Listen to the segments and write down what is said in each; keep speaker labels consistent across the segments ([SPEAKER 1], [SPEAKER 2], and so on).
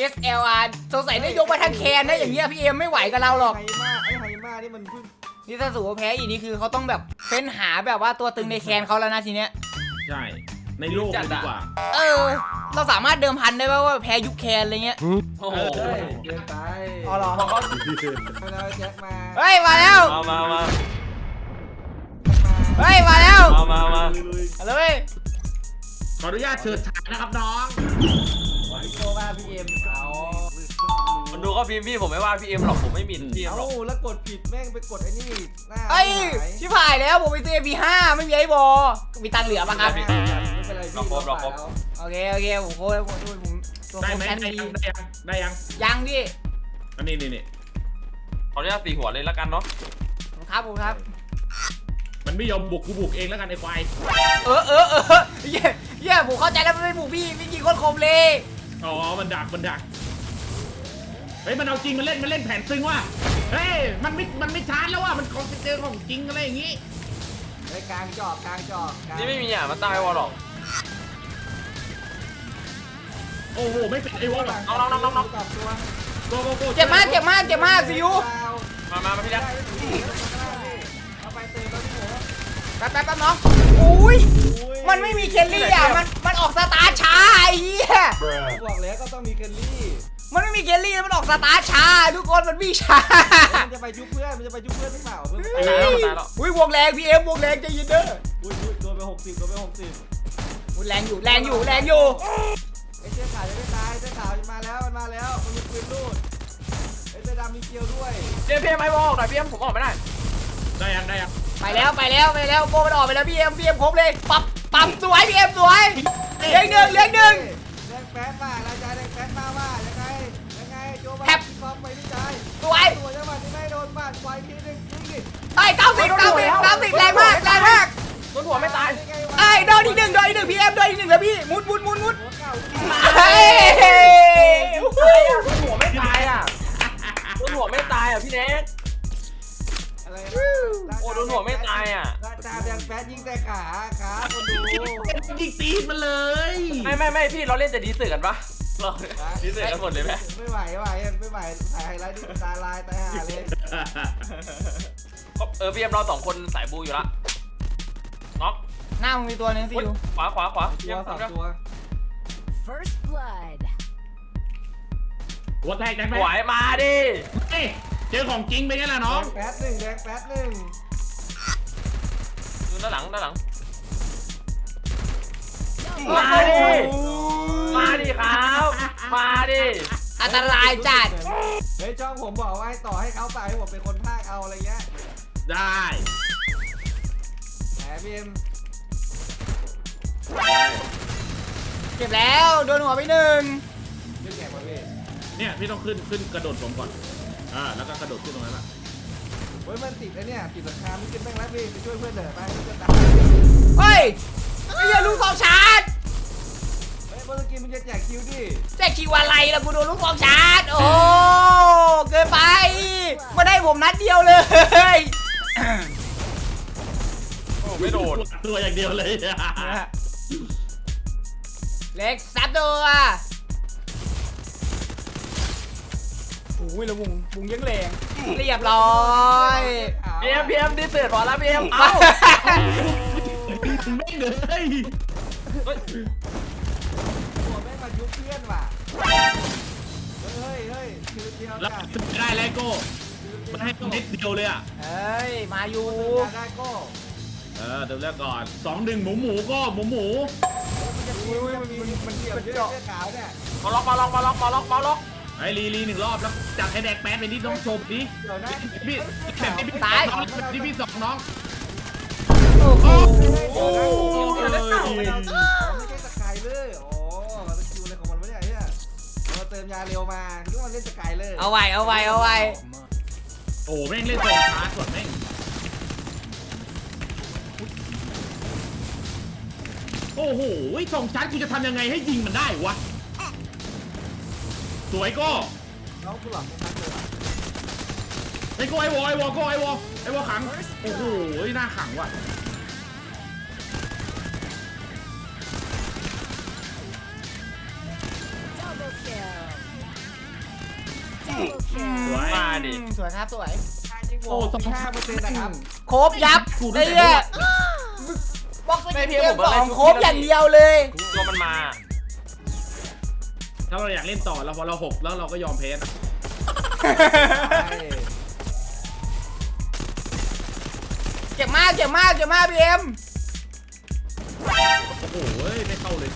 [SPEAKER 1] SLR สงสัยได้ยกมาทั้งแคนนะอย่างเงี้ยพี่เอ็มไม่ไหวกับเราหรอก
[SPEAKER 2] ไฮมานี่มันเพิ่ง
[SPEAKER 1] นี่ถ้าสูว่าแพ้อีกนี่คือเขาต้องแบบเฟ้นหาแบบว่าตัวตึงในแคนเขาแล้วนะทีเนี้ย
[SPEAKER 3] ใช่ในโลกเลยดีกว่า
[SPEAKER 1] เราสามารถเดิมพันได้ป่าว่าแพ้ยุคแคนอะไรเงี้ย
[SPEAKER 4] โอ้โห
[SPEAKER 2] เกินไป
[SPEAKER 1] อ๋อเหรอ
[SPEAKER 2] มาแล้วแจ็คมา
[SPEAKER 1] เฮ้ยมาแล้ว
[SPEAKER 4] มา
[SPEAKER 1] เฮ้ยมาแล้ว
[SPEAKER 4] มา
[SPEAKER 1] เอาเลย
[SPEAKER 3] ขออนุญาตเชิญฉายนะครับน้อง
[SPEAKER 2] โตว่าพี่เอ็มเอา
[SPEAKER 4] มันดูก็พิมพ์พี่ผมไม่ว่าพี่เอ็มหรอกผมไม่หมิ่นพี่เอ็มหรอก
[SPEAKER 2] แล้วกดผิดแม่งไปกดไอ้นี่หน้า
[SPEAKER 1] เฮ้ยชิบหายแล้วผมไปซื้อ MP5 ไม่มีไอ้บอมีตังค์เหลือปะครับ
[SPEAKER 2] ไม่เป็นไรพี่
[SPEAKER 1] โอเคผมโค้ดผมตัว
[SPEAKER 3] ได้
[SPEAKER 1] โค้ด
[SPEAKER 3] ไหม
[SPEAKER 1] แคน
[SPEAKER 3] ได้
[SPEAKER 1] ดี
[SPEAKER 3] ยังได้ยัง
[SPEAKER 1] ยังพี่
[SPEAKER 3] อันนี้นี่
[SPEAKER 4] ขออนุญาตตีหัวเลยแล้วกันเนาะ
[SPEAKER 1] ผมครับ
[SPEAKER 3] มันไม่ยอมบุกกูบุกเองแล้วกันไอ้ควาย
[SPEAKER 1] เย้ผมเข้าใจแล้วมันไม่บุกพี่ยิงโคตรคมเลย
[SPEAKER 3] อ๋อมันดักเฮ้ยมันเอาจริงมันเล่นแผนซึ้งว่ะเฮ้ยมันไม่ชาร์จแล้วว่ะมันของเจอของจริงอะไรอย่างงี้
[SPEAKER 2] ไอ้กลางจอก
[SPEAKER 4] นี่ไม่มีอ่ะมันตายวอลหรอก
[SPEAKER 3] โอ้โหไม่เป็นไอ้วอลหรอก
[SPEAKER 2] ตัว
[SPEAKER 3] โก
[SPEAKER 1] เจ็บมากซิว
[SPEAKER 4] มาพี่แจ๊ค
[SPEAKER 2] เอาไปเตะแล้วพี่หมู
[SPEAKER 1] แป๊บน้องอุ้ยมันไม่มีเคลลี่อ่ะมันออกสตาร์ช้าไอ้เหี้ย
[SPEAKER 2] บอกแล้วก็ต้องมีเกลลี่
[SPEAKER 1] มันไม่มีเคลลี่มันออกสตาร์ช้าทุกคนมันวิ่งช้า
[SPEAKER 2] มันจะไปยุบเพื่อนหรือเปล่าเพื่อน
[SPEAKER 4] ตายแล้ว
[SPEAKER 1] อุ้ยวงแรงพี่เอ็มวงแรงใจเย็นเด้อ
[SPEAKER 2] อุ้ยโดนไป60
[SPEAKER 1] แรงอยู่
[SPEAKER 2] ไอ้เจ้าขาวจะไม่ตายเจ้าขาวมาแล้วมันมีปืนลูดไอ้เจ้าดำมีเกลียวด้วย
[SPEAKER 4] พี่เอ็มไอ้วอลหน่อยพี่เอ็มผมออกไม่ได้
[SPEAKER 3] ได้ยัง
[SPEAKER 1] ไปแล้วโบมันออกไปแล้วพี่เอ็มครบเลยปั๊บสวยพี่เอ็มสวยเลี้ยงหนึ่ง
[SPEAKER 2] แดงแป๊ดมาเราจะแดงแป๊ดมาว่ายังไงโจบ้าฟอมไปพี่ชาย
[SPEAKER 1] สวย
[SPEAKER 2] ตัวจังหวะที่ไม่โดนบ้านไฟทีนึงยิงดิ
[SPEAKER 1] ไอ้90แรงมาก
[SPEAKER 4] โดนหัวไม่ตาย
[SPEAKER 1] ไอ้โดนอีกหนึ่งพี่เอ็มโดนอีกหนึ่งแล้วพี่มุด
[SPEAKER 2] หัวเก่า
[SPEAKER 1] เฮ้ย
[SPEAKER 4] โดนหัวไม่ตายอ่ะโดนหัวไม่ตายอ่ะพี่เน็ก
[SPEAKER 2] อะไร
[SPEAKER 4] โอ้โดนหัวไม่ตายอ่ะ
[SPEAKER 2] จ่าแดงแป๊ดยิงแต่ขาคนดู
[SPEAKER 3] ยิงตีนมันเลย
[SPEAKER 4] ไม่พี่เราเล่นแต่ดีเสือกันปะเราดีเสือกันหมดเลยไหม
[SPEAKER 2] ไม่ไหวถ่ายไฮไลท์ที่ตาลายตายห่าเลย
[SPEAKER 4] พี่เอ็มเราสองคนสายบูอยู่ละน็อก
[SPEAKER 1] หน้ามึงมีตัวนึงซิว
[SPEAKER 4] ขวา
[SPEAKER 2] ตัว
[SPEAKER 4] เยี่ยม
[SPEAKER 2] สองตัว
[SPEAKER 5] First blood.
[SPEAKER 3] หัวแตกจังไหม
[SPEAKER 4] ไหวมาดิ
[SPEAKER 3] เจอของจริงไปไงล่ะน้อง
[SPEAKER 2] แป๊ดหนึ่ง
[SPEAKER 4] ดูด้านหลัง
[SPEAKER 5] Double
[SPEAKER 4] มาดิครับมาดิ
[SPEAKER 1] อันตรายจัด
[SPEAKER 2] เฮ้ยช่องผมบอกว่าให้ต่อให้เขาไปให้ผมเป็นคนพากเอาอะไรเงี้ย
[SPEAKER 3] ได้
[SPEAKER 2] แหมพี่เอ็ม
[SPEAKER 1] เจ็บแล้วโดนหัวไปหนึ่ง
[SPEAKER 2] เล่นแข่งมาพี่
[SPEAKER 3] เนี่ยพี่ต้องขึ้นกระโดดผมก่อนแล้วก็กระโดดขึ้นตรงนั้นแหละ
[SPEAKER 2] เฮ้ยมันติดแล้วเนี่ยติดราคาไม่ขึ้นแม่งแล้วพี่ไปช่วยเพื่อนเถอะไปเพื่อนตาย
[SPEAKER 1] เฮ้ยไอ้เหี้ยลูกซองชาร์จ
[SPEAKER 2] เฮ้ยเมื่อกี้มึงจะแจกคิวดิ
[SPEAKER 1] แจ็คคิวอะไรล่ะกูโดนลูกซองชาร์จโอ้เกินไปมาได้ผมนัดเดียวเลย
[SPEAKER 4] โอ้ไม่โดน
[SPEAKER 3] ตัวอย่างเดียวเลย
[SPEAKER 1] เล็กซับตัวโอ้ยแล้ววงยังแรงเรียบร้อย
[SPEAKER 4] พี่เอ็มดีเสือพอแล้วพี่เอ็มเอ้า
[SPEAKER 3] ไม่เลย
[SPEAKER 2] ตัวแม่งมายุบเพื่อนว่ะเฮ้ยคิวเดียว
[SPEAKER 3] แล้ว
[SPEAKER 2] จ้ะ
[SPEAKER 3] ได้แล้วโก้มันให้ตัวนิดเดียวเลยอ่ะ
[SPEAKER 1] เอ้ยมาอยู่
[SPEAKER 2] ได้ก็
[SPEAKER 3] เดี๋ยวแรกก่อน2-1หมูก็หมู
[SPEAKER 2] มันเกี่ยวเยอะขาวเนี่ย
[SPEAKER 4] มาล็อก
[SPEAKER 3] ไอ้ลี1รอบแล้วจัดให้แดกแป๊ดไปนิดน้องชมดิ
[SPEAKER 2] เดี๋ยวนะ
[SPEAKER 3] พี่แบบนี้พี่สองน้อง
[SPEAKER 1] โอ้โห
[SPEAKER 2] ไม่ใช่สกายเลยอ๋อมันคิวอะไรของมันวะเนี่ยมาเติมยาเร็วมาคิดว่ามันเล่นสกายเลย
[SPEAKER 1] เอาไว้
[SPEAKER 3] โอ้แม่งเล่นตรงชาร์จส่วนแม่งโอ้โหส่งชาร์จกูจะทำยังไงให้ยิงมันได้วะสวยก็
[SPEAKER 2] น้องกูหลับไม่ทันเลย
[SPEAKER 3] ไอ้วอขังโอ้โหหน้าขังว่ะ
[SPEAKER 5] kill. kill.
[SPEAKER 3] สวย
[SPEAKER 4] มาดิ
[SPEAKER 1] สวยครับสวย
[SPEAKER 3] โอ้สอง
[SPEAKER 2] 5%นะครับ
[SPEAKER 1] โครบยับ
[SPEAKER 3] กู
[SPEAKER 1] ไอ้
[SPEAKER 3] ได้
[SPEAKER 1] เหี้ย
[SPEAKER 3] แต่
[SPEAKER 1] บ็อกซ์
[SPEAKER 4] ไม่
[SPEAKER 1] เก
[SPEAKER 4] พี่
[SPEAKER 1] ม
[SPEAKER 4] ผมว่า
[SPEAKER 1] ส
[SPEAKER 4] อะไร
[SPEAKER 1] อง
[SPEAKER 4] ทุก
[SPEAKER 1] โครบ
[SPEAKER 4] ที่
[SPEAKER 1] อย่างเดียวเลย
[SPEAKER 4] ตัวมันมา
[SPEAKER 3] ถ้าเราอยากเล่นต่อแล้วพอเรา6แล้วเราก็ยอมแพ้นะ
[SPEAKER 2] ใช่
[SPEAKER 1] เจ็บมากพี่เอ็ม
[SPEAKER 3] โอ้โหไม่เข้าเลย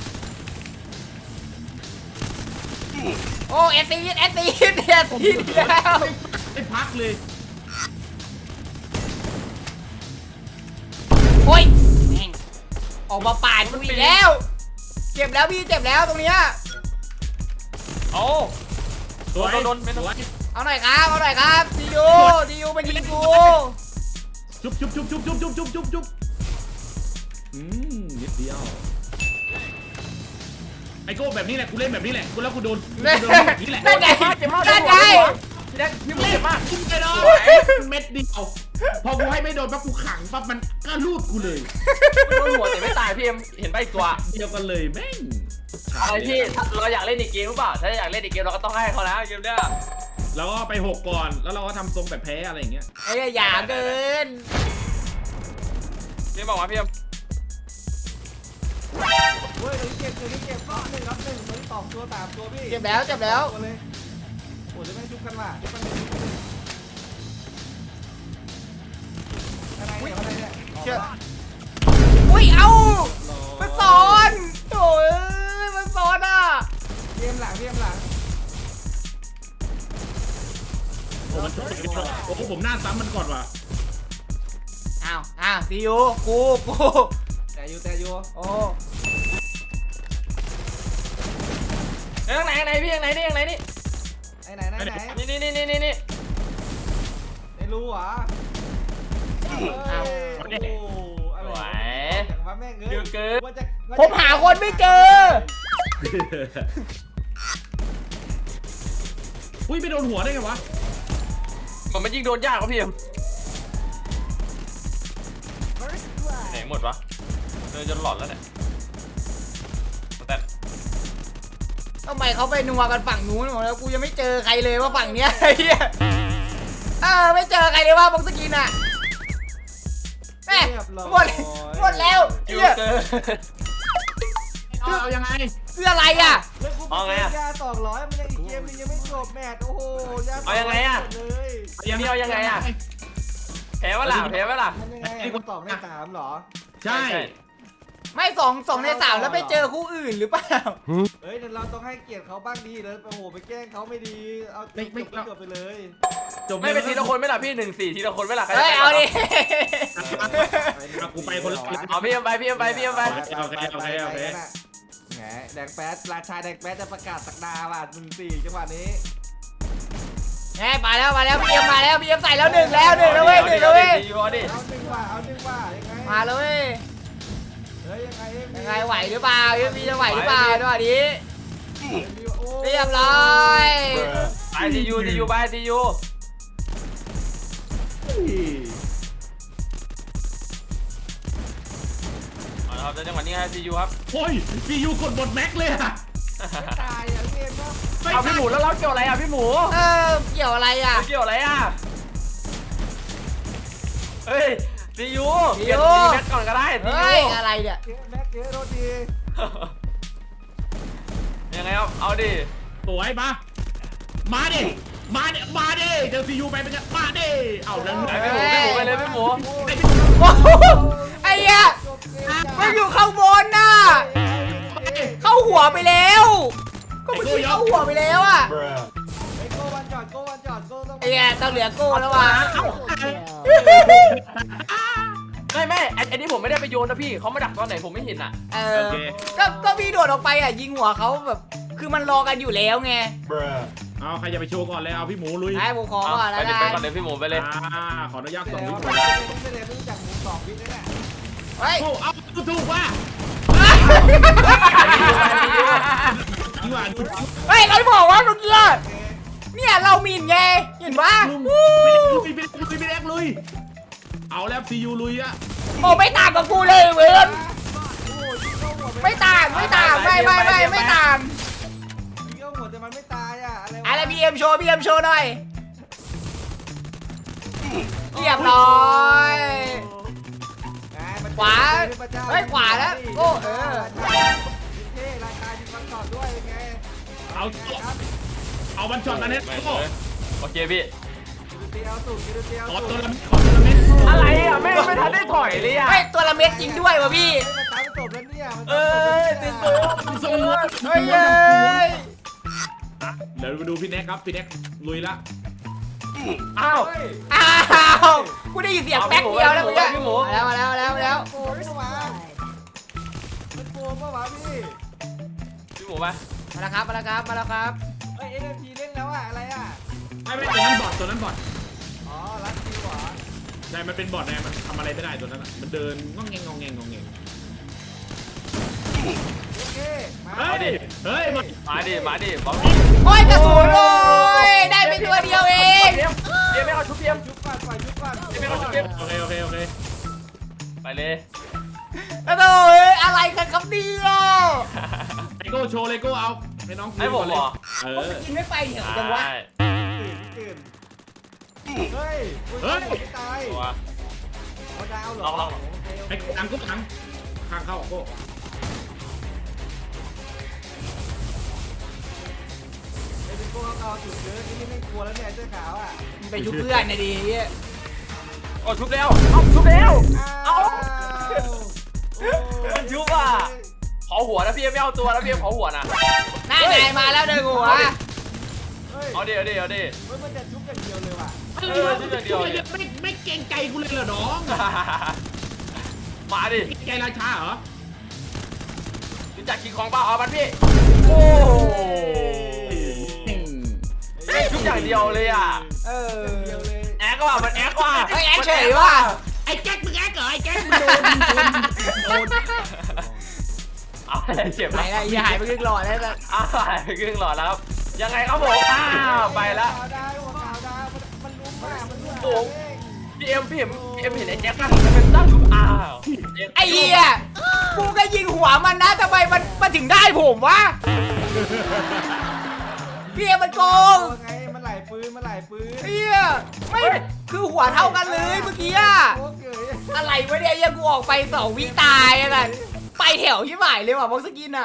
[SPEAKER 1] โอ้เอสซีดแล้ว
[SPEAKER 3] ไม่พักเลย
[SPEAKER 1] โอ้ยแม่งออกมาปาดกูอีกแล้วเจ็บแล้วพี่เจ็บแล้วตรงเนี้ย
[SPEAKER 4] โอ้
[SPEAKER 3] สวย
[SPEAKER 4] โดนไม่ต้อง
[SPEAKER 3] สวย
[SPEAKER 1] เอาหน่อยครับดียูมายิงกู
[SPEAKER 3] จุ๊บนิดเดียวไอโก้แบบนี้แหละกูเล่นแบบนี้แหละกูแล้วกูโดนแบบนี้แหละ
[SPEAKER 1] นั่นไง
[SPEAKER 4] เจ็บมาก
[SPEAKER 1] นั่นไง
[SPEAKER 4] พี่แดกพี่หมูเจ็บมาก
[SPEAKER 3] กูไม่โดนเม็ดเดียวพอกูให้ไม่โดนปั๊บกูขังปั๊บมันก็ลูดกูเลย
[SPEAKER 4] โดนหัวแต่ไม่ตายพี่เอ็มเห็นไปอีกตัว
[SPEAKER 3] เดียวกันเลยแม่ง
[SPEAKER 4] อะไรพี่เราอยากเล่นอีกเกมหรือเปล่าถ้าอยากเล่นอีกเกมเราก็ต้องให้เขานะเกมเนี้ย
[SPEAKER 3] แล้วก็ไป6ก่อนแล้วเราก็ทำทรงแบบแพ้อะไรอย่างเงี้ย
[SPEAKER 1] ไอ้หยาเกิน
[SPEAKER 4] พี่บอกว่าพี่เอ็ม
[SPEAKER 2] เฮ้ยตัวนี้เก็บรับหนึ่งตัวนี้ตอบตัว3ตัวพี่
[SPEAKER 1] เจ็บแล้ว
[SPEAKER 2] ตัวเลยโอ้จะไม่ชุบกันว่ะชุบกันอะไรเนี่ย
[SPEAKER 1] อุ้ยเอามันสอนโถ่มันสอนอ่ะ
[SPEAKER 2] เกมหลัง
[SPEAKER 3] โอ้มันโอ้ผมหน้าซ้ำมันก่อนว่ะ
[SPEAKER 1] อ้าวซีอูกู
[SPEAKER 2] แต่อยู่
[SPEAKER 1] โอ้
[SPEAKER 4] ข้างไหนพี่ข้างไหนนี่
[SPEAKER 2] ไหน
[SPEAKER 4] นี่
[SPEAKER 2] ไม่รู้เหรออะไรจากว่าแม่งเอ้ย
[SPEAKER 1] ผมหาคนไม่เจอ
[SPEAKER 3] อุ้ยไปโดนหัวได้ไงวะ
[SPEAKER 4] มันยิงโดนยากครับพี่เอ็ม
[SPEAKER 5] First
[SPEAKER 4] ไหน
[SPEAKER 5] blood.
[SPEAKER 4] หมดวะเดินจนหลอนแล้วเนี่ยแต่
[SPEAKER 1] ทำไมเขาไปนัวกันฝั่งนู้นหมดแล้วกูยังไม่เจอใครเลยว่าฝั่งเนี้ยไอ้เหี้ยไม่เจอใครเลยว่าบ็อกซ์กินอ่ะแม่หมดแล้ว
[SPEAKER 4] คิว
[SPEAKER 1] เหี้ย
[SPEAKER 4] เกอร์
[SPEAKER 3] เอายังไง
[SPEAKER 1] เสื้ออะไรอ่ะ
[SPEAKER 2] ยา200มันยังอีกเกมนึงยังไม่จบแมตช์โอ้โหยาเลย
[SPEAKER 4] นี่เอายังไงอะแพ้วะล่ะ
[SPEAKER 2] มันยังไงมันตอบได้3เหรอ
[SPEAKER 3] ใช่
[SPEAKER 1] ไม่2 ใน 3แล้วไปเจอคู่อื่นหรือเปล่า
[SPEAKER 2] เฮ้ยเราต้องให้เกียรติเขาบ้างดีเลยโอ้โหไปแกล้งเขาไม่ดีเอาจบไปเลย
[SPEAKER 3] จบ
[SPEAKER 4] ไม่เป็นทีละคนไม่ล่ะพี่1-4ทีละคนไม่ล่ะ
[SPEAKER 1] เฮ้ยเอาดิ
[SPEAKER 3] กูไปคนละ
[SPEAKER 4] เอาพี่เอ็มไป
[SPEAKER 3] โอเค
[SPEAKER 2] แหมแดงแป๊ดราชาแดงแป๊ดจะประกาศสักดาว่ะ1-4จังหวะนี้
[SPEAKER 1] แหมมาแล้วพี่เอ็มใส่แล้ว1แล้วเว้ย
[SPEAKER 2] เอาหนึ่งว่ะยังไง
[SPEAKER 1] มาเลย
[SPEAKER 2] เฮ้ยยังไง
[SPEAKER 1] ยังไงไหวหรือเปล่าพี่จะไหวหรือเปล่าด้วยนี้เรียบร้อย
[SPEAKER 4] ไปทียูไปทียูเอาละครับจังหวะนี้ครับทียูครับ
[SPEAKER 3] โอ้ยซียูกดบทแม็กเลยอะ
[SPEAKER 2] ตายอ่ะเกมเนาะ
[SPEAKER 4] เอาพี่หมูแล้วเราเกี่ยวอะไรอ่ะพี่หมู
[SPEAKER 1] เกี่ยวอะไรอ่ะ
[SPEAKER 4] เกี่ยวอะไรอ่ะเฮ้ยทียู
[SPEAKER 1] ที
[SPEAKER 4] เปลี่ยน
[SPEAKER 1] ยู
[SPEAKER 4] ทีแมทก่อนก็ได้ที
[SPEAKER 1] เฮ้ย
[SPEAKER 4] ยู
[SPEAKER 1] อะไรเนี่ย
[SPEAKER 2] แม็กเกโรดี
[SPEAKER 4] ยังไงครับเอาดิ
[SPEAKER 3] สวยมาดิเจอซียูไปเป็นมาดิเอาแล้ว
[SPEAKER 4] ไปพี่หมูไปเลยพี่หมู
[SPEAKER 1] ไอ้เหี้ยมันอยู่ข้างบนน่ะเข้าหัวไปแล้วก็มันเข้าหัวไปแล้วอ่ะ
[SPEAKER 2] โก้วันจอดโก้ต้อง
[SPEAKER 1] ไอ้เหี้ยต้องเหลือโก้แล้วว่ะ
[SPEAKER 5] Kill.
[SPEAKER 4] ไม่อันนี้ผมไม่ได้ไปโยนนะพี่เขามาดักตอนไหนผมไม่เห็นอ่ะ
[SPEAKER 1] ก็พี่โดดออกไปอ่ะยิงหัวเขาแบบคือมันรอกันอยู่แล้วไง
[SPEAKER 3] เอาใครจะไปโชว์ก่อนเลยเอาพี่หมูลุย
[SPEAKER 1] ไอ้ผมขอก่อนแล้ว
[SPEAKER 4] ไป
[SPEAKER 1] กัน
[SPEAKER 4] ก่อนเลยพี่หมูไปเลย
[SPEAKER 3] ขออนุญาตส่ง
[SPEAKER 2] แล้ว
[SPEAKER 3] พี่หมู
[SPEAKER 2] ไม่เลยไม่รู้จักหมู2วินแน่
[SPEAKER 1] เฮ้ย
[SPEAKER 3] เอาถูกว่า
[SPEAKER 1] เฮ้ยเขาบอกว่าเมื่อกี้เนี่ยเรามินไงเห็นปะ
[SPEAKER 3] ลุยเอาแล้วซียูลุยอะ
[SPEAKER 1] โอ้ไม่ต่างกับกูเลยเว้ยไม่ต่างไม่ต่าง
[SPEAKER 2] ยิงเข้าหัวแต่มันมันไม่ตายอ่ะอะไรวะ
[SPEAKER 1] อะไรบีเอ็มโชว์หน่อยเรียบร้อย
[SPEAKER 2] ไงมัน
[SPEAKER 1] ขวา
[SPEAKER 2] เป็นพระเจ้
[SPEAKER 1] เฮ้ยขวาแล้วโอ้เออ
[SPEAKER 2] เท่ราคาดีฟังก่อนด้วยเป็นไง
[SPEAKER 3] เอามันช็อตมาเน็ตโก้
[SPEAKER 4] โอเคพี่
[SPEAKER 2] เตียวสุดเตียว
[SPEAKER 3] ขอ
[SPEAKER 2] สุ
[SPEAKER 3] ตัว
[SPEAKER 2] ด
[SPEAKER 3] ละเม็ดขอตัวละเม็ด
[SPEAKER 4] อะไรอ่ะไม่ทันได้ถอยเลยอ่ะ
[SPEAKER 1] เฮ้ยตัวละเม็ดจริงด้วยวะพี่
[SPEAKER 2] มันตายไม่จบแล้วเนี่ยมัน
[SPEAKER 4] เอ้ยติดตัว
[SPEAKER 3] ทรงวัว
[SPEAKER 1] เฮ้ยเอ้ย
[SPEAKER 3] เดี๋ยวมาดูพี่แน็กครับพี่แน็กลุยละ
[SPEAKER 4] อ้าว
[SPEAKER 1] อ้าวกูได้ยินเสียงแป๊กเดียวแล้วเมื่อกี้
[SPEAKER 4] พี่หมู
[SPEAKER 1] มาแล้ว
[SPEAKER 2] โกงเข้ามามันโกงเข้ามาพี่
[SPEAKER 4] พี่หมูมา
[SPEAKER 1] มาแล้วครับ
[SPEAKER 2] เฮ้ย NFT เล่นแล้วอะอะไรอะ
[SPEAKER 3] ไม่ตัวนั้นบอทตัวนั้นบอท
[SPEAKER 2] อ๋อรัดคิวเหรอ
[SPEAKER 3] ใช่มันเป็นบอทไงมันทำอะไรไม่ได้ตัวนั้นอ่ะมันเดินงองแงง
[SPEAKER 2] โอเคมา
[SPEAKER 3] เฮ้ยเฮ้ยมา
[SPEAKER 4] มาดิบอล
[SPEAKER 1] โอ้ยกระสุนโอ้ยได้ไปตัวเดียวเอง
[SPEAKER 4] เพียมไม่เอาชุบเพียม
[SPEAKER 2] ยุบก่อนปล่อยยุบก่อน
[SPEAKER 4] ไม่เอาชุบเพียม
[SPEAKER 3] โอเค
[SPEAKER 4] ไปเลย
[SPEAKER 1] กระโดดอะไรกันครับเนี่ย
[SPEAKER 3] ไอโก้โชว์เลยโก้เอาให้น้อง
[SPEAKER 4] ให้ผมเหรอ
[SPEAKER 3] เอ
[SPEAKER 1] ผม
[SPEAKER 3] อ
[SPEAKER 1] จะกินไม่ไปเหรอจังวะ
[SPEAKER 2] ตื่นเฮ้ยไม่ตาย
[SPEAKER 4] ตัว
[SPEAKER 2] เอาดาวเหรอ
[SPEAKER 4] ลอง
[SPEAKER 3] ไอ้หลังก็หลังข้างเข้าโก้
[SPEAKER 2] ไอ้เป็นพวกเขาจุดเยอะนี่ไม่กลัวแล้วเนี่ยเสื้อขาวอ่ะ
[SPEAKER 1] มึงไปยุบเพื่อนนะดิ
[SPEAKER 4] โอ้ชุบแล้วเอาชุบแล้ว มันยุบอ่ะ ขอหัวนะพี่ไม่เอาตัวนะพี่ขอหัวนะ
[SPEAKER 1] หน้าไหนมาแล้วเดินหัว
[SPEAKER 2] เฮ้ย
[SPEAKER 4] เอาดิ
[SPEAKER 2] มันจะชุบอย่างเดียวเลยว่ะ
[SPEAKER 3] ไม่เกรงใจกูเลยเหรอน้อง
[SPEAKER 4] มาดิ
[SPEAKER 3] เกรงใจราชาเหรอ
[SPEAKER 4] รู้จักคิงคองเปล่าเอามันพี่โอ้ชุบอย่างเดียวเลยอ่ะ
[SPEAKER 1] เออ
[SPEAKER 2] เดียวเลย
[SPEAKER 4] แอ๊กว่ะมันแอ๊กว่ะ
[SPEAKER 1] เฮ้ยแอ๊กเฉยว่ะ
[SPEAKER 3] ไอ้แก๊กมึงแก๊กเหรอไอ้แก๊กมึงโดน
[SPEAKER 4] เอาเจ็บ
[SPEAKER 1] ไหน
[SPEAKER 4] แล้ว
[SPEAKER 1] ล่ะอย่าหายไปครึ่งหลอดแล้วล่ะ
[SPEAKER 4] อ้าวไปครึ่งหลอดแล้วครับยังไงครับผมอ้าวไปละ
[SPEAKER 2] ขาวดาวขาวดาวมันลุ้มมากมันลุ้ม
[SPEAKER 4] โอ้ พี่เอ็มเห็นไอ้แจ็คป่ะมันเป็นตั้งชุบอ้าว
[SPEAKER 1] ไอ้เหี้ยกูก็ยิงหัวมันนะทำไมมันถึงได้ผมวะพี่เอ็มมันโกง
[SPEAKER 2] ไงมันไหลปืนมันไหลปืน
[SPEAKER 1] เหี้ยไม่คือหัวเท่ากันเลยเมื่อกี้อะ
[SPEAKER 2] โอ้เกย
[SPEAKER 1] อะไรวะเนี่ยยังกูออกไป2 วิตายอะกันไปแถวยี่หมายเลยว่ะบ็อกสกินอะ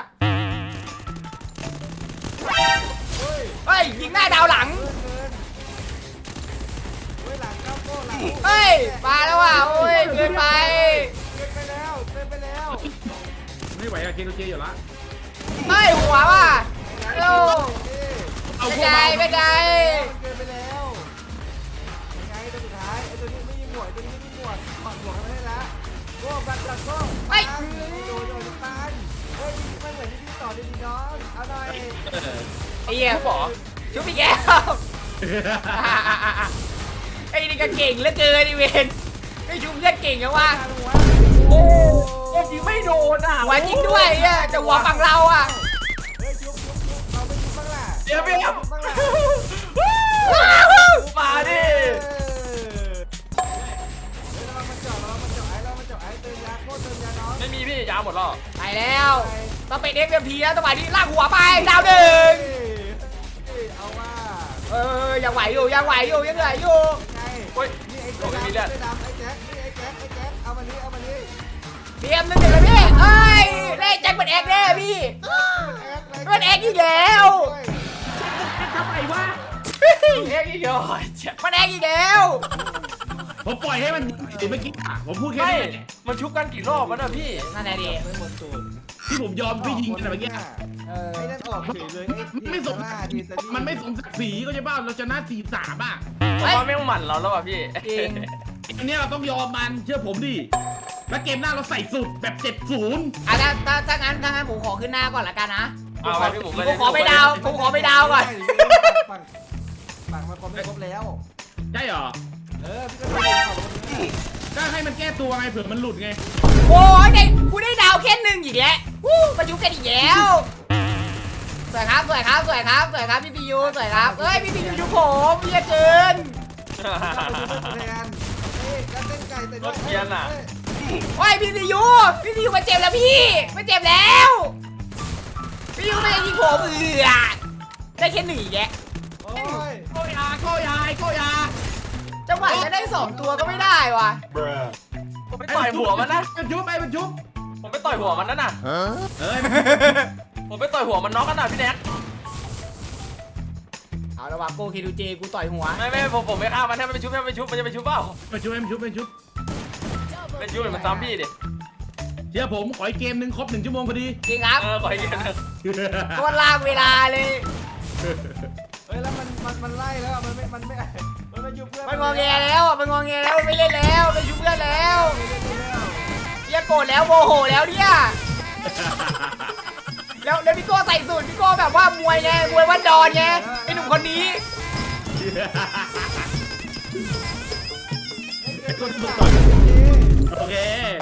[SPEAKER 2] เฮ้ย
[SPEAKER 1] เฮ้ยยิงหน้าดาวหลัง
[SPEAKER 2] เกินเฮ้ยหลังเข้าโก้หลัง
[SPEAKER 1] เฮ้ยมาแล้วว่ะโอ้ยเกินไป
[SPEAKER 2] เกินไปแล้วเกินไปแล้ว
[SPEAKER 3] ไม่ไหวอะเคโนเจอยู่ละ
[SPEAKER 1] เฮ้ยหัวว่ะโอ้
[SPEAKER 3] เอา
[SPEAKER 1] ไม่
[SPEAKER 3] พวก
[SPEAKER 1] ไกล
[SPEAKER 3] เรา
[SPEAKER 1] ไม่ไกล
[SPEAKER 2] เกินไปแล้วยังไงตัวสุดท้ายไอ้ตัวนี้ไม่ยิงหมวดตัวนี้ไม่ยิงหมวดถอดหมวกกันไม่ได้ละโก้บัตรจัดโก้โดนตายเฮ้ยมันเหมือนที่พี่ต่อดีน้องเอาหน่อย
[SPEAKER 1] ไอ้เหี้ย
[SPEAKER 4] ชุบเหรอ
[SPEAKER 1] ชุบอีกแล้วไอ้นี่ก็เก่งเหลือเกินดิเวนไอ้ชุบเลือดเก่งอะวะ
[SPEAKER 2] หัว
[SPEAKER 1] โอ้
[SPEAKER 4] โอ้ยิงไม่โดนอ่ะ
[SPEAKER 1] หัวจริงด้วยอะแต่หัวฝั่งเราอะ
[SPEAKER 2] เฮ้ยชุบเอาไม่ชุบบ้างล่ะ
[SPEAKER 4] เดี๋ยว
[SPEAKER 2] บ้างล่ะ
[SPEAKER 4] มาดิ
[SPEAKER 2] เรามาเจาะไอ้เติมยาโคตรเติมยาน้อง
[SPEAKER 4] ไม่มีพี่ยาหมดแล้ว
[SPEAKER 1] ไปแล้วต้องเป็น FMP แล้วจังหวะนี้ลากหัวไปดาวหนึ่ง
[SPEAKER 2] เอาว่า
[SPEAKER 1] ยังไหวอยู่ยังเหลืออยู่
[SPEAKER 2] ไง
[SPEAKER 4] เฮ้ย
[SPEAKER 2] นี่ไอ้ตัวดำไอ้แจ็คนี่ไอ้แจ็คเอามานี้เอามานี้
[SPEAKER 1] เตรียม1-1เลยพี่เอ้ยเล่นแจ็คเป็นแอกแน่พี่เป็นแอกอีกแล้ว
[SPEAKER 3] ทำไมวะ
[SPEAKER 4] เอ๊ะอีกเหรอเจ็บ
[SPEAKER 1] มันแอกอีกแล้ว
[SPEAKER 3] ผมปล่อยให้มันเมื่อกี้อะผมพูดแค่
[SPEAKER 4] ไม่
[SPEAKER 3] นี้
[SPEAKER 4] มันชุบกันกี่รอบแล้วนะพี่
[SPEAKER 1] นั่นแหละดิ
[SPEAKER 2] ไม่หมดสูตร
[SPEAKER 3] ที่ผมยอมพี่ยิงกันเมื่อกี้
[SPEAKER 2] ไอ้นั่นออกเฉยเลย
[SPEAKER 3] ไม่สมมันไม่สมศักดิ์ศรีก็ใช่ป่ะเราชนะ4-3อ่ะ
[SPEAKER 4] ผมว่าแม่งหมั่นเราแล้วว่ะพี่
[SPEAKER 1] จริง
[SPEAKER 3] อันนี้เราต้องยอมมันเชื่อผมดิแล้วเกมหน้าเราใส่สุดแบบ7-0
[SPEAKER 1] อ่ะถ้างั้นผมขอขึ้นหน้าก่อนละกันนะ
[SPEAKER 4] เอาไปพี่หมูไป
[SPEAKER 1] ผมขอไปดาวก่อน
[SPEAKER 2] ฝั่งมาคอมไม่ครบแล้ว
[SPEAKER 3] ใช่เหรอ
[SPEAKER 2] พี่ก็ดูข่าวตรงนี้
[SPEAKER 3] ก็ให้มันแก้ตัวไงเผื่อมันหลุดไง
[SPEAKER 1] โอ้ยกูได้ดาวแค่1อีกแล้วมายุบกันอีกแล้วสวยครับพี่พียูสวยครับเอ้ยพี่พียูยุบผมเยอะเกิน
[SPEAKER 2] แทนเฮ้ยการเต้นไก่แต่
[SPEAKER 4] รถเกียร์น่ะ
[SPEAKER 1] โอ้ยพี่พียูมาเจ็บแล้วพี่มาเจ็บแล้วพี่ยูไม่ได้ยิงผมได้แค่หนึ่งแยะ
[SPEAKER 2] โอ้ย
[SPEAKER 3] โกยาโกยาโกยา
[SPEAKER 1] จังหวะจะได้2ตัวก็ไม่ได้วะ
[SPEAKER 4] ผมไปต่อยหัวมันนะ
[SPEAKER 3] มันชุบไอ้มันชุบ
[SPEAKER 4] ผมไปต่อยหัวมันนั่นน่ะ
[SPEAKER 3] เอ้ย
[SPEAKER 4] ผมไปต่อยหัวมันน็อกกันน่ะพี่แน็ก
[SPEAKER 1] เอาละวะโกคิดูเจกูต่อยหัว
[SPEAKER 4] ไม่ผมไม่ฆ่ามันถ้ามันไปชุบมันจะไปชุบเปล่า
[SPEAKER 3] มันชุบมันชุบมันชุบ
[SPEAKER 4] เป็นชุบหรือมันซ้ำพี่ดิ
[SPEAKER 3] เชื่อผมขออีกเกมหนึ่งครบ1 ชั่วโมงพอดี
[SPEAKER 1] จริงครับ
[SPEAKER 4] ขออีกนิดนึง
[SPEAKER 1] ก็ลากเวลาเลย
[SPEAKER 2] เฮ้ยแล้วมันไล่แล้วอะมันไม่ยุบเพื่อน
[SPEAKER 1] มันงอแงแล้วอ่ะมันงอแงแล้วไม่เล่นแล้วไม่ชุบเพื่อนแล้วเรียกโกรธแล้วโมโหแล้วเนี่ยแล้วพี่โก้ใส่สูตรพี่โก้แบบว่ามวยไงมวยวันดอนไงไอ้หนุ่มคนนี้
[SPEAKER 3] โอเค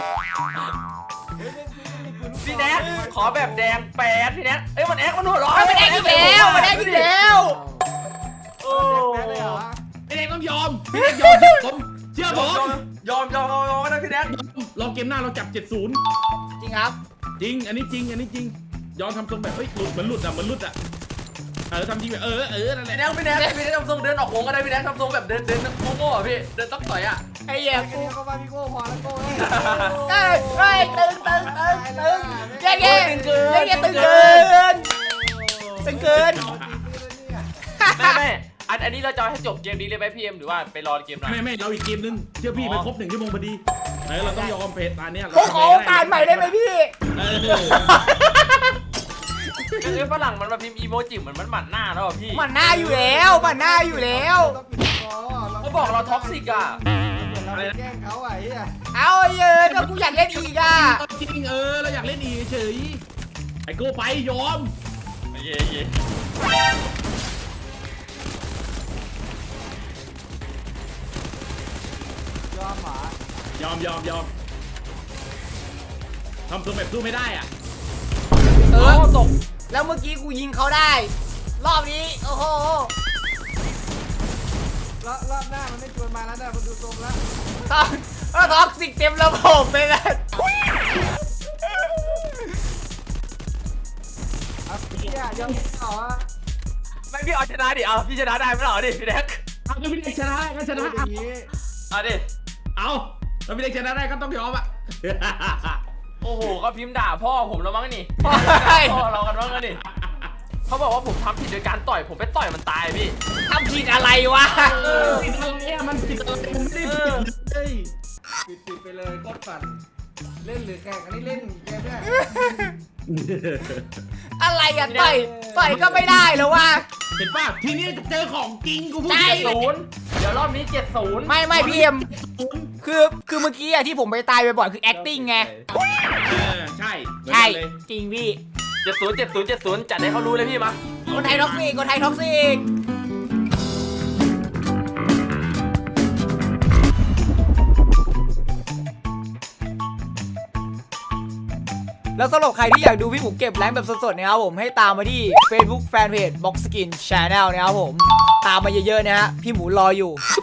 [SPEAKER 4] พี่แน็กขอแบบแดงแปดพี่แน็กเอ้ยมันแอ๊กมันหัวร้อน
[SPEAKER 1] มันได้อีกแล้วมันได้อีกแล้ว
[SPEAKER 4] โอ้
[SPEAKER 2] แพ้เลยเหรอ
[SPEAKER 3] พี่เด็กต้องยอมพี่เด็กยอมเชื่อผม
[SPEAKER 4] ยอมก็ได้พี่แน็ก
[SPEAKER 3] ลองเกมหน้าเราจับ 70
[SPEAKER 1] จริงครับ
[SPEAKER 3] จริงอันนี้จริงยอมทำทรงแบบเฮ้ยหลุดเหมือนหลุดอ่ะทำจริงแบบนั่นแห
[SPEAKER 4] พี่
[SPEAKER 3] ละ
[SPEAKER 4] แน็กทำทรงเดินออกวงก็ได้พี่แน็กทำทรงแบบเดินโง่ๆอ่ะพี่เดินต้องต่อยอ่ะ
[SPEAKER 1] ไอ้เหี้ย
[SPEAKER 2] แค่นี้ก็ว่าพี่โก้พอแล้วโก้เฮ้ย
[SPEAKER 1] เฮ้ยตึงเย้ตึงเกิน
[SPEAKER 4] ไม่อันนี้เราจะให้จบเกมนี้เลยไหมพี่เอ็มหรือว่าไปรอเกมหน้า
[SPEAKER 3] ไม่เราอีกเกมนึงเชื่อพี่มันครบ1 ชั่วโมงพอดีเราต้องยอมเพจตาเนี้ย
[SPEAKER 1] ผมขอตานใหม่ได้ไหมพี่
[SPEAKER 4] คือฝรั่งมันมาพิมพ์อีโมจิเหมือนมันหมั่นหน้าแล้วอ่ะพี่
[SPEAKER 1] มันหน้าอยู่แล้วมันหน้าอยู่แล้ว
[SPEAKER 2] ต้องปิดคอ
[SPEAKER 4] เขาบอกเราท็อกซิกอ่ะ
[SPEAKER 2] เราแกล้งเขาอ่ะไอ้เหี้ย
[SPEAKER 1] เอาเยอะก็กูอยากเล่นอีกอ่ะ
[SPEAKER 3] จริงเราอยากเล่นอีกเฉยไอ้โก้ไปยอม
[SPEAKER 4] เย่
[SPEAKER 2] ยอมหมาย
[SPEAKER 3] อมทำทรงแบบสู้ไม่ได้อ่ะ
[SPEAKER 4] ตก
[SPEAKER 1] แล้วเมื่อกี้กูยิงเขาได้ รอบนี้โอ้โห
[SPEAKER 2] รอบหน้ามันไม่ชวนมาแล้วนะมันดูทรงแล้ว
[SPEAKER 1] ท็อกซิกเต็มระบบไปเลย
[SPEAKER 2] เอาเหี้ยยอมต่อ
[SPEAKER 4] ไม่พี่เอาชนะดิเอาพี่ชนะได้ไม่หรอดิพี่แน็ก
[SPEAKER 3] เอาพี่เด็กชนะก็ชนะ
[SPEAKER 2] อย่างนี้
[SPEAKER 4] เอาดิ
[SPEAKER 3] เอาถ้าพี่เด็กชนะได้ก็ต้องยอมอ่ะ
[SPEAKER 4] โอ้โหก็พิมพ์ด่าพ่อผมแล้วมั้งนี่พ่อเรากันมั้งนี่เขาบอกว่าผมทำผิดโดยการต่อยผมไปต่อยมันตายพี่
[SPEAKER 1] ทำผิดอะไรวะ
[SPEAKER 3] ติดอะไรอ่ะมันติดอะไรมันไม่ได้ผิดเลย
[SPEAKER 2] ปิดไปเลยโคตรปั่นเล่นหรือแข่งอันนี้เล่นเกมเนี่ย
[SPEAKER 1] อะไรอ่ะต่อยก็ไม่ได้แล้ววะ
[SPEAKER 3] เห็นป่ะทีนี้เจอของจริงกูพูด
[SPEAKER 1] ใช่
[SPEAKER 3] จริง
[SPEAKER 4] 0เดี๋ยวรอบนี้70
[SPEAKER 1] ไม่พี่เอ็มคือเมื่อกี้อะที่ผมไปตายบ่อยๆคือ acting ไง
[SPEAKER 3] ใช่เหมือน
[SPEAKER 1] ใช่
[SPEAKER 3] กันเลย
[SPEAKER 1] จริงพี่
[SPEAKER 4] 70จัดให้เขารู้เลยพี่มา
[SPEAKER 1] คนไทยท็อกซิกแล้วสำหรับใครที่อยากดูพี่หมูเก็บแรงค์แบบสดๆนะครับผมให้ตามมาที่ Facebook Fanpage Box Skin Channel นะครับผมตามมาเยอะๆนะฮะพี่หมูรออยู่